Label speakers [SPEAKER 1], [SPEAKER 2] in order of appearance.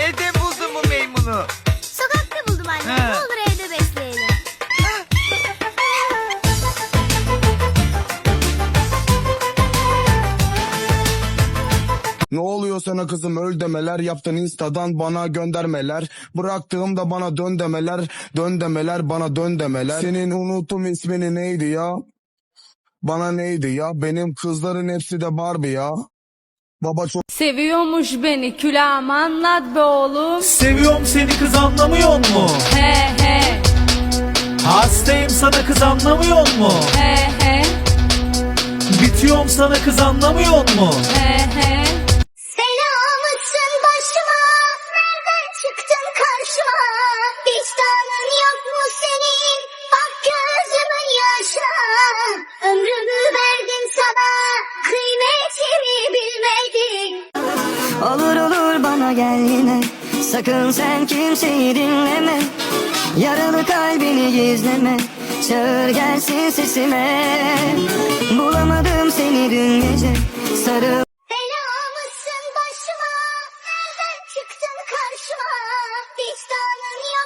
[SPEAKER 1] Evde buldun mu meymunu?
[SPEAKER 2] Sokakta buldum anne. Ne olur evde besleyelim.
[SPEAKER 3] Ne oluyor sana kızım, öl demeler, yaptın instadan bana göndermeler, bıraktığımda bana dön demeler, dön demeler, bana dön demeler. Senin unuttum ismini neydi ya? Bana neydi ya? Benim kızların hepsi de Barbie ya. Baba çok
[SPEAKER 4] Seviyormuş beni külahım anlat be oğlum.
[SPEAKER 5] Seviyorum seni kız, anlamıyor mu?
[SPEAKER 4] He he
[SPEAKER 5] Hastayım sana kız, anlamıyor mu?
[SPEAKER 4] he he
[SPEAKER 5] Bitiyorum sana kız, anlamıyor mu?
[SPEAKER 4] he he.
[SPEAKER 2] Selamısın başıma. Nereden çıktın karşıma? Vicdanın yok mu senin? Bak gözümün yaşına. Ömrümü verdim sana. Kıymetimi bilmedin.
[SPEAKER 6] Olur olur bana gel yine, sakın sen kimseyi dinleme. Yaralı kalbini gizleme, çağır gelsin sesime. Bulamadım seni dün gece, sarıl.
[SPEAKER 2] Selamısın başıma. Nereden çıktın karşıma? Vicdanın